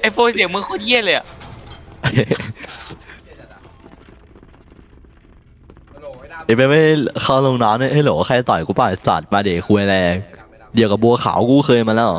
โฟนเสียงมึงโคตรเยี่ยเลยอะไอ้ไปไม่เข้าลงน้ำเนี่ยให้โหลใครต่อยกูป่ะไอ้สัตว์มาเด็กคุยแรงเดียวกับบัวขาวกูเคยมาแล้ว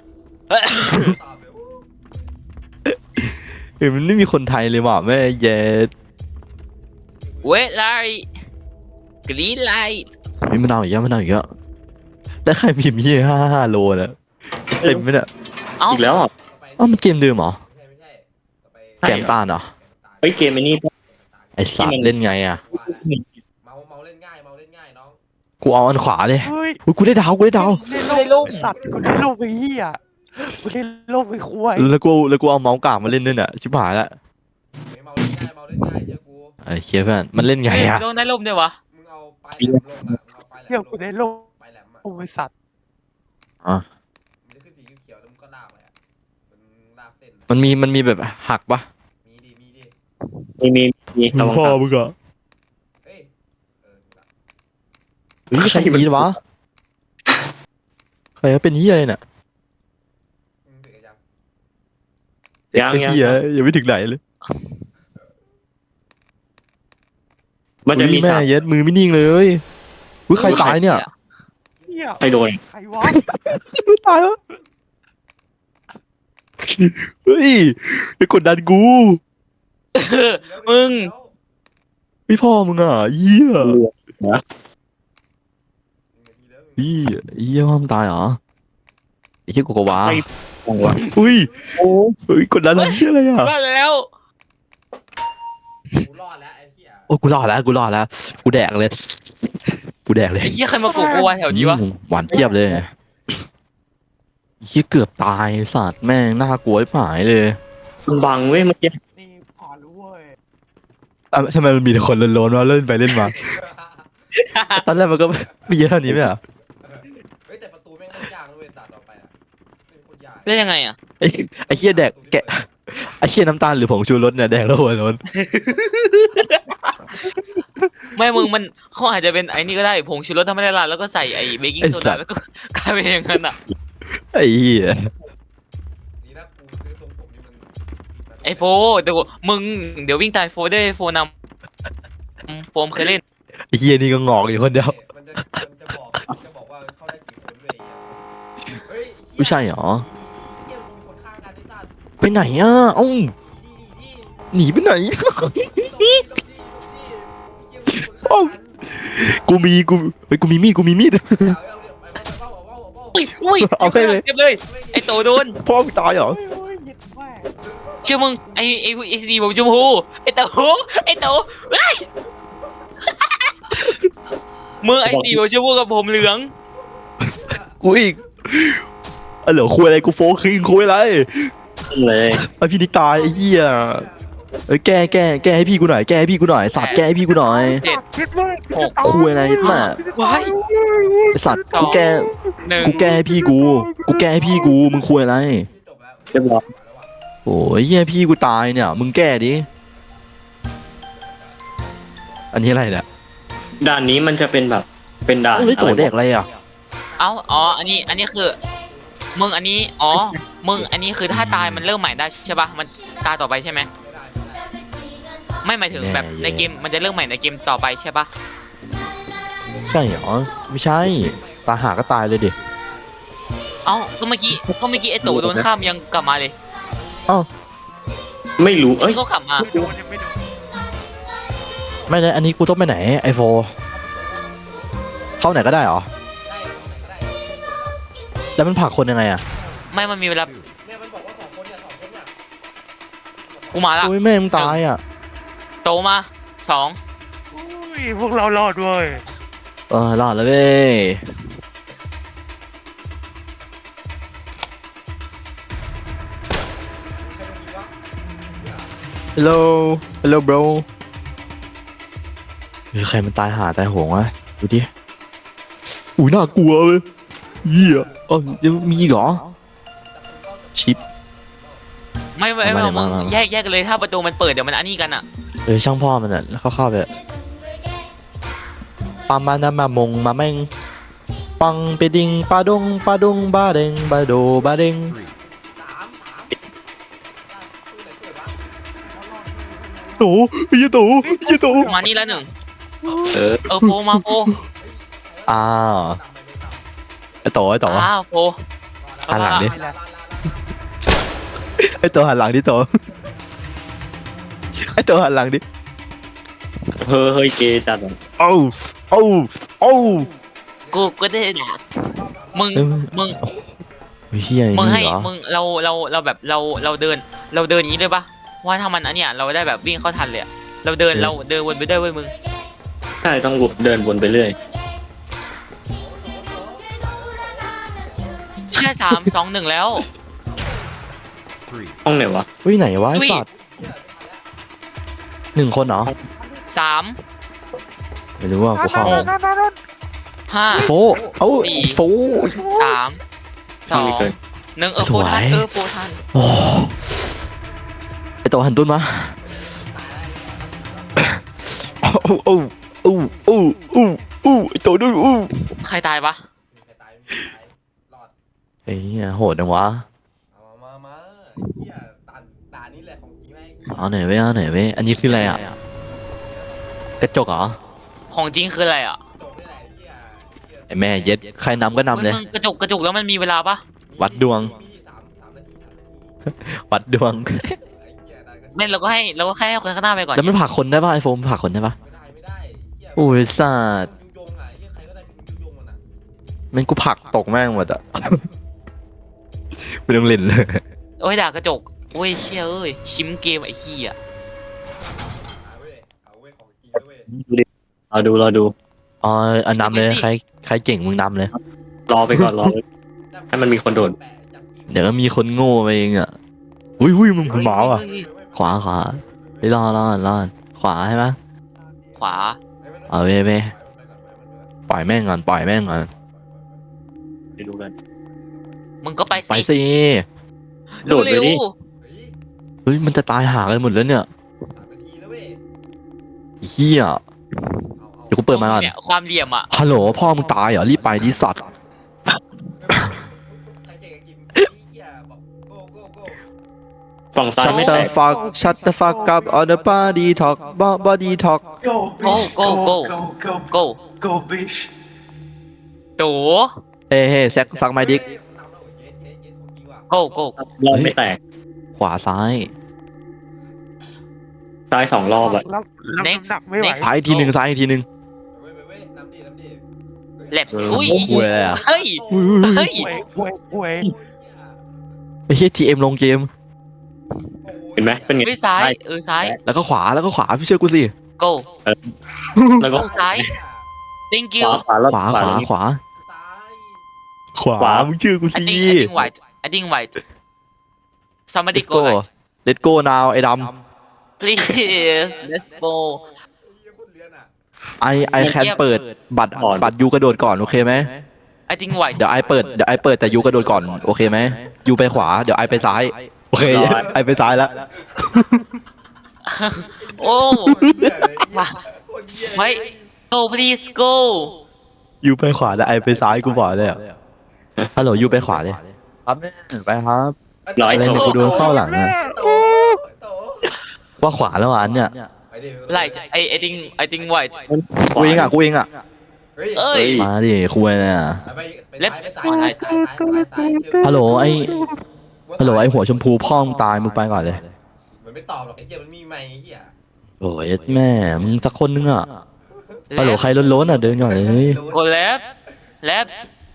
เฮ้ยมันไม่มีคนไทยเลยว่ะแม่เย็ดเวทไลท์กรีนไลท์มีมันเอาอีกเยอะมันเอาอีกเยอะได้ใครพิมพ์ยี่55 โลนะเต็มไหมเนี่ยเอ้าอีกแล้วอ่ะอ้าวมันเกมเดิมเหรอแกมตาลเหรอเฮ้ยเกมไอ้นี่ไอ้สัตว์เล่นไงอ่ะเมาเล่นง่ายน้องกูเอาอันขวาดิเฮ้ยอุ๊ยกูได้ดาวกูได้ดาวได้ลูกสัตว์กูได้ลูกไปเหี้ยกูได้ลูกไปควายแล้วกูเอาเมาส์กลางมาเล่นด้วยเนี่ยชิบหายละเมาเล่นง่ายเชื่อกูไอ้เคียเพื่อนมันเล่นไงเฮ้ยอ่ะลงได้ลูกด้วยวะมึงเอาปลายแหลมลงอ่ะมึงเอาปลายแหลเหี้ยมกูได้ลูกปลายแหลมอ่ะโอ้ยสัตว์อ่ะมันจะขึ้นสีเขียวแล้วมึงก็ลากไปอ่ะมันลากเส้นมันมีแบบหักปะมีดิมีตะวันพ่อตกมึงอะเฮ้ยถูกละเฮ้ยใครยีวะใครเป็นเฮียอะไรเนี่ยเสร็จกันยังยังไอ้เฮียยังไม่ถึงไหนเลยมันจะมีแม่สามเย็ดมือไม่นิ่งเลยอุ้ยใครตายเนี่ยเหี้ยใครโดนใครวะตายวะเฮ้ยไปกดดันกูมึงพี่พ่อมึงอ่ะเหี้ยเหี้ยพ่อมึงตายเหรอไอ้เหี้ยกูกวาของวะอุ้ยโอ้เฮ้ยกดดันอะไรเหี้ยอะไรอ่ะรอดแล้วกูรอดแล้วไอ้เหี้ยโอ้กูรอดแล้วกูแดกเลยไอ้เหี้ยใครมาโกงกูวะแถวนี้วะหวานเจี๊ยบเลยเหี้ยเกือบตายสัตว์แม่งน่ากลัวไอ้หายเลยมันบังเว้ยเมื่อกี้นี่ผ่านรู้เว้ยอ่ะทำไมมันมีแต่คนโลนๆวะเล่นไปเล่นมาตอนแรกมันก็มีเยอะเท่านี้ไหมอ่ะเฮ้ยแต่ประตูแม่งเล่นยากเลยตัดต่อไปอ่ะเป็นคนยากเล่นยังไงอะไอ้เหี้ยแดกแกะไอ้เหี้ยน้ำตาลหรือผงชูรสเนี่ยแดกแล้วหัวโล้นไม่มึงมันเขาอาจจะเป็นไอ้นี่ก็ได้ผงชูรสธรรมดาแล้วก็ใส่ไอ้เบกกิ้งโซดาแล้วก็กลายเป็นอย่างนั้นอะไอ้เหี้ยนี่นะกูซื้อทรงผมนี่มันไอโฟเดี๋ยวมึงเดี๋ยววิ่งตายโฟได้โฟนำโฟมเคยเล่นไอ้เหี้ยนี่ก็งอกอยู่คนเดียวมันจะบอกว่าเข้าได้กี่คนเลยเฮ้ยไม่ใช่เหรอเหี้ยมึงมีคนข้างกันที่ตัดไปไหนอ่ะเอ้าหนีไปไหน กูมีเฮ้ยกูมีมีดอุ้ยเอาไปเลยเก็บเลยไอโตโดนพ่อมึงตายเหรอเฮ้ยเฮ้ยเหยียดแม่เชื่อมึงไอสีผมชมพูไอโตเฮ้ยมึงไอสีผมชมพูกับผมเหลืองกูอีกเหลือคุยอะไรกูโฟคิงคุยอะไรเลยไอพี่นิกตายไอ้เหี้ยเอ้ยแก้ให้พี่กูหน่อยสัตว์แก้ให้พี่กูหน่อยเจ็ดคิดเลยคุยอะไรมาว้ายไอสัตว์กูแก้หนึ่งให้พี่กูมึงคุยอะไรเรียบร้อยโอ้ยเหี้ยพี่กูตายเนี่ยมึงแก้ดิอันนี้อะไรเนี่ยด่านนี้มันจะเป็นแบบเป็นด่านเฮ้ยโตอะไรเด็กอะไรอ่ะอ๋ออันนี้คือมึงอันนี้มึงอันนี้คือถ้าตายมันเริ่มใหม่ได้ใช่ป่ะมันตาต่อไปใช่ไหมไม่หมายถึงแบบในเกมมันจะเริ่มใหม่ในเกมต่อไปใช่ป่ะใช่เหรอไม่ใช่ตาหาก็ตายเลยดิเอ้าก็เมื่อกี้ไอโตโดนข้ามยังกลับมาเลยไม่รู้เอ้ยนี่ก็กลับมาไม่โดนยังไม่โดนไม่ได้อันนี้กูต้องไปไหนไอโฟเข้าไหนก็ได้เหรอแล้วมันผลักคนยังไงอ่ะไม่มันมีเวลาเนี่ยมันบอกว่าสองคนเนี่ยกูมาละโอ้ยแม่มึงตายอ่ะโตมาสองอุ้ยพวกเรารอดเว้ยรอดแล้วเว้ย hello bro ใครมันตายหาตายโหงวะดูดิอุ้ยน่ากลัวเลยเหี้ยยังมีอีกเหรอชิปไม่มามึงมาแยกกันเลยถ้าประตูมันเปิดเดี๋ยวมันอันนี้กันอ่ะช่างพ่อมันอ่ะแล้วเข้าไปปามานามาแม่งปังไปดิงปาดงบาเด้งบาโดบาเด้งโตไอ้เหี้ยโตไอ้เหี้ยโตมานี่แล้วหนึ่งเออโฟมาโฟอ้าวไอ้โตไอ้โตอ้าวโฟหันหลังดินี่แหละไอ้โตหันหลังดิโตไอ้โตหันหลังดิเฮ้ยเกย์จัดอะโอ้โอ้โอ้กูก็ได้ด่ามึงเอ้ยมึงเฮียมึงให้เหรอมึงเราแบบเราเดินอย่างนี้เลยปะว่าถ้ามันอันเนี้ยเราได้แบบวิ่งเข้าทันเลยอะเราเดินวนไปด้วยเว้ยมึงใช่ต้องเดินวนไปเรื่อยแค่3-2-1แล้วห้องไหนวะเฮ้ยไหนวะไอ้อุ้ยสัตว์หนึ่งคนเหรอ 3 ไม่รู้ว่ากูเข้า 5 โฟเอ้าสี่โฟ 3 2 1โฟทันสวยโฟทันโอ้ไอโตหันตุ้นมาโอ้โอ้โอ้โอ้โอ้โอ้ไอโตด้วยโอ้ใครตายปะใครตายรอดไอ้เหี้ยโหดจังวะเอามาเฮียตานี้แหละของจริงไอ้เอาหน่อยเว้ยเอาหน่อยเว้ยอันนี้คืออะไรอ่ะกระจกเหรอของจริงคืออะไรอ่ะจบได้แหละเฮียไอแม่เย็ดใครนำก็นำเลยมึงกระจุกแล้วมันมีเวลาปะวัดดวงมี3 นาทีวัดดวงไอ้เฮียได้กันไม่เราก็แค่ให้คนข้างหน้าไปก่อนแล้วมันผลักคนได้ป่ะไอโฟมผลักคนได้ป่ะไม่ได้เฮียโอ้ยสัตว์ยุยงอ่ะเฮียใครก็ได้เป็นยุยงมันอ่ะมันกูผลักตกแม่งหมดอ่ะไม่ต้องเล่นเลยโอ้ยด่ากระจกโอ้ยเชี่ยเอ้ยชิมเกมไอ้ขี้อ่ะเอาเว้ยของจริงเว้ยรอดูอ๋ออันนำเลยใครเก่งมึงนำเลยรอไปก่อนรอ ให้มันมีคนโดดเดี๋ยวก็มีคนโง่ไปเองอ่ะอุ้ยมึงหมาอ่ะเฮ้ยขวาไปรอขวาใช่ไหมขวาเอาเว้ยปล่อยแม่งก่อนไปดูกันมึงก็ไปไปสิสิโดดไปดิเร็วเฮ้ยมันจะตายหากันหมดแล้วเนี่ยนาทีแล้วเว้ยไอ้เฮียเดี๋ยวกูๆเปิดมาก่อนเนี่ยความเหลี่ยมอ่ะฮัลโหลพ่อมึงตายเหรอรีบไปดิสัตว์ใครเก่งกินเฮียบอกโก้ฝั่งซ้ายชัตไม่เตอแตกร์ฟักชัตเตอร์ฟักกับ on the body talk body talk Go, bitch. Go, go, go, go go, bitch. ตู่เฮ้แซกฟักไมดิก go go รอบไม่แตกขวาซ้ายซ้าย2 รอบอะรับน้ำ Next หนักไม่ไหว next ซ้ายอีกทีหนึ่งเว้ยน้ำดิแลบเอออุ้ยโอ้โหเลยอะเฮ้ย เฮ้ยเว้ยไอ้เฮียทีเอ็มลงเกมเห็นไหมเป็นไงเฮ้ยซ้ายซ้ายแล้วก็ขวาพี่เชื่อกูสิ go แล้วก็ go ซ้าย thank ข you วาแล้วขวาแล้วขวาตายขวามึงเชื่อกู I สิ think white I think white somebody Let's go go guys Let's go now ไอ้ด please let's go ำไอแคนเปิดบัตรยูกระโดดก่อนโอเคไหม I think white เดี๋ยวไอเปิดแต่ยูกระโดดก่อนโอเคไหมยูไปขวาเดี๋ยวไอไปซ้ายโอเคไอไปซ้ายแล้วโอ้ไว้ go please go ยูไปขวาแล้วไอไปซ้ายกูบอกเลยอ่ะฮัลโหลยูไปขวาเลยครับแม่ไปครับร้อยอะไรโตเนี่ยกูโดนเข้าหลังอะโตว่าขวาแล้วอ่ะอันเนี่ยไปดิ right I think white กูเองอ่ะเอ้ยมาดิคุยเนี่ย ฮัลโหลไอหัวชมพูพ่อมึงตายมึงไปก่อนเลยมันไม่ตอบหรอกไอ้เหี้ยมันมีไมค์ไอ้เหี้ยโอ้ยแม่มึงสักคนนึงอ่ะฮัลโหลใครล้นๆอ่ะเดินก่อนเลย go left left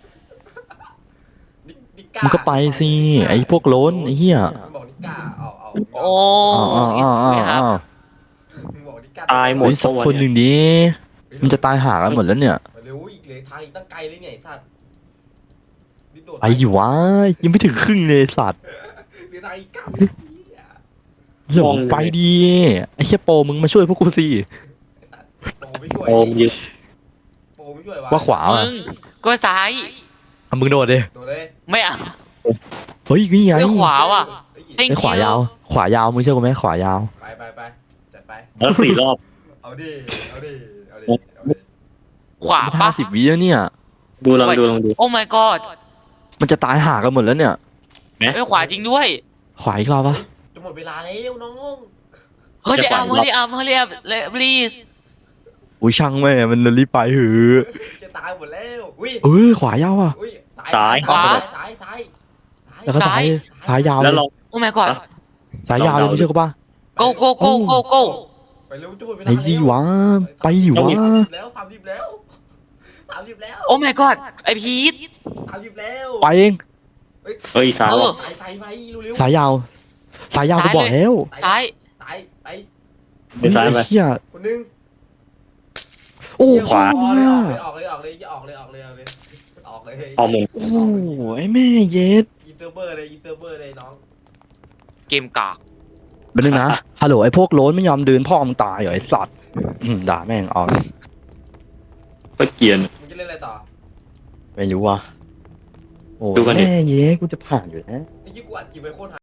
มึงก็ไปสิไอพวกล้นไอเหี้ยมึงบอกนิก้าเอาโอ้อ้าวมึงบอกนิก้าตายหมดเฮ้ยสักคนหนึ่งดิมันจะตายหากันหมดแล้วเนี่ยเร็วอีกเลยทางอีกตั้งไกลเลยเนี่ยไอ้สัตว์รีบโดดไปอยู่วะยังไม่ถึงครึ่งเลยสัตว์หรือทางอีกไกลหลงไปดีไอเชี่ยโปมึงมาช่วยพวกกูสิโปไม่ช่วยโอมยืนโปไม่ช่วยวะว่าขวามึอ่ะงก็ซ้ายอ่ะมึงโดดดิโดดเลยไม่เอาเฮ้ยนี่ไงเฮ้ยขวาว่ะเฮ้ย Thank ไอขวายาว ขวายาวมึงเชื่อกูไหมขวายาวไปจัดไปแล้ว4 รอบเอาดิเอาดิขวาปะ 50 วิแล้วเนี่ยดูลองดูโอ้ my god มันจะตายหากันหมดแล้วเนี่ยเอ้ยขวาจริงด้วยขวาอีกรอบปะจะหมดเวลาแล้วน้องเ hurry up hurry up hurry up please อุ้ยช่างแม่มันรีบไปหือจะตายหมดแล้วอุ้ยขวายาวอ่ะอุ้ยซ้ายขวาซ้ายซ้ายแล้วก็ซ้ายยาวเลแล้วยลอง oh my god ซ้ายยาวเลยไม่เชื่อกูป่ะ go go go go go ไปเร็วจุ๊บไปไหนดีวะไปดิวะแล้ว30แล้ว30แล้ว oh my god ไอพีท 30แล้วไปเองเอ้ยซ้ายเออว่ะไปเร็วสายยาวสายยาวกูบอกแล้วซ้ายไปเป็นซ้ายไปเฮียคนนึงโอ้ขวาออกเลเลยยออกเลยออกเลยออกเลยออกเลยออกเลยออกเลยออกหมุนโอ้โหไอ้แม่เย็ดอินเตอร์เบอร์เลยอินเตอร์เบอร์เลยน้องเกมกากเป็นนึงนะฮัลโหลไอ้พวกโล้นไม่ยอมเดินพ่อมึงตายเหรอไอ้สัตว์ด่าแม่งเอาก็เกรียนมึงจะเล่นอะไรต่อไม่รู้ว่ะโอ้ดูกันดิแม่เย็ดกูจะผ่านอยู่นะไอ้ที่กูอัดคลิปไว้โคตร